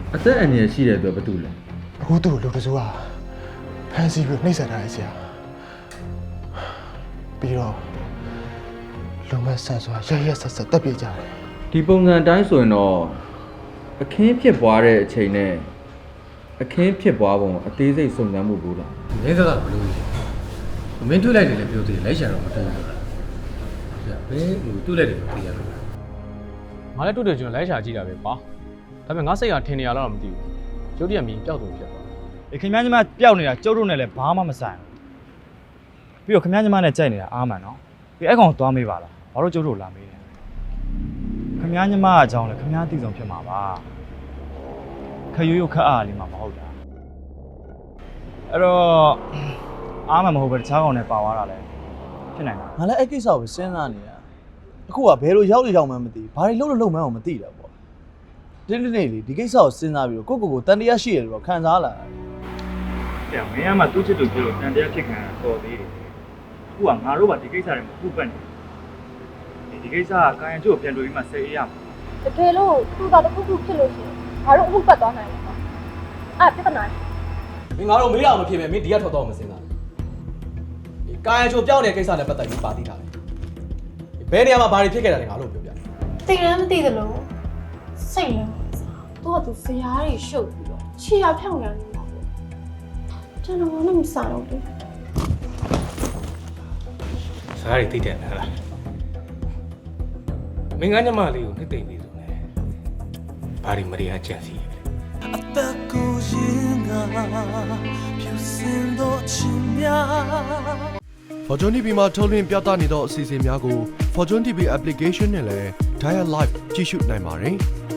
အသက်အန္တရာယ်ရှိတဲ့အတွက်ဘာတူလဲအခုသူ့ကိုလူတစိုးကဖန်စီပြီးနှိမ့်ဆက်ထားရဆရာပြီးတော့လူမဆန်စွာရဆက်ဆက်တက်ပြကြတယ်ဒီပုံစံအတိုင်းဆိုရင်တော့အခင်းဖြစ်ပွားတဲ့အချိန်နဲ့အခင်းဖြစ်ပွားပုံအသေးစိတ်စုံစမ်းမှုလို့လားမင်းကဘယ်လိုလဲမင်းတွေ့လိုက်တယ်လည်းပြောသေးတယ်လိုက်ရှာတော့မတွေ့ဘူးလားဘယ်ဟိုတွေ့လိုက်တယ်ပြောရလို့ငါလည်းတွေ့တယ်ကျွန်တော်လိုက်ရှာကြည့်တာပဲကွာဒါပေမဲ့ငါစိတ်ကထင်နေရတော့မသိဘူးကျုပ်တည်းကမြင်ပျောက်သူဖြစ်သွားခင်ဗျားညီမပျောက်နေတာကျုပ်တို့နဲ့လည်းဘာမှမဆိုင်ဘူးပြီးတော့ခင်ဗျားညီမနဲ့ကြိုက်နေတာအားမှန်နော်ပြီးအဲ့ကောင်သွားမေးပါလားဘာလို့ကျုပ်တို့လာမေးလဲခင်ဗျားညီမအကြောင်းလည်းခင်ဗျားသိဆုံးဖြစ်မှာပါခရွရွခက်အားလေးမှာမဟုတ်တာအဲ့တော့အားမှန်မဟုတ်ပဲတခြားကောင်နဲ့ပါသွားတာလဲဖြစ်နိုင်တာငါလည်းအဲ့ကိစ္စကိုစဉ်းစားနေတာအခုကဘယ်လိုရောက်နေရောက်မှန်းမသိဘာတွေလုပ်လို့မှန်းအောင်မသိတာပေါ့ဒီနေ့လေဒီကိစ္စကိုစဉ်းစားပြီးတော့ကိုတန်တရားရှိရတယ်တော့ခံစားလာတယ်မင်းကမှသူ့ချစ်သူဖြစ်လို့တန်တရားဖြစ်ခံတော်သေးတယ်အခုကငါတို့ကဒီကိစ္စတွေမဟုတ်ပတ်နေဒီကိစ္စကကာယံကျိုးကိုပြန်တွေ့ပြီးမှဆက်အေးရမှာတကယ်လို့သူကတစ်ခုခုဖြစ်လို့ရှိရင်ငါတို့အမှုပတ်သွားနိုင်တယ်ပေါ့အဲ့ပြဿနာမင်းငါတို့မေးတာမဖြစ်ပဲမင်းဒီကထွက်တော့မစင်တာဒီကာယချိုပြောင်းနေတဲ့ကိစ္စနဲ့ပတ်သက်ပြီးပါသိထားတယ်ဘယ်နေရာမှာဘာတွေဖြစ်ခဲ့တာလဲငါတို့ပြောပြသိလည်းမသိသလိုစိတ်လည်းသူကသူဇရာတွေရှုပ်ပြီးတော့ခြေရဖြောင်းနေနေတာပေါ့ကျွန်တော်လည်းမစားတော့ဘူးစားရည်သိတယ်လားမင်းကညမလေးကိုနှစ်သိမ့်နေဆိုနေဘာတွေမရီယာကြံစီအသက်ကိုရင်ကဖြူစင်တော့ချင်များ Fortune TV မှာထုတ်လွှင့်ပြသနေသောအစီအစဉ်များကို Fortune TV application နဲ့လည်း Dial Live ကြည့်ရှုနိုင်ပါတယ်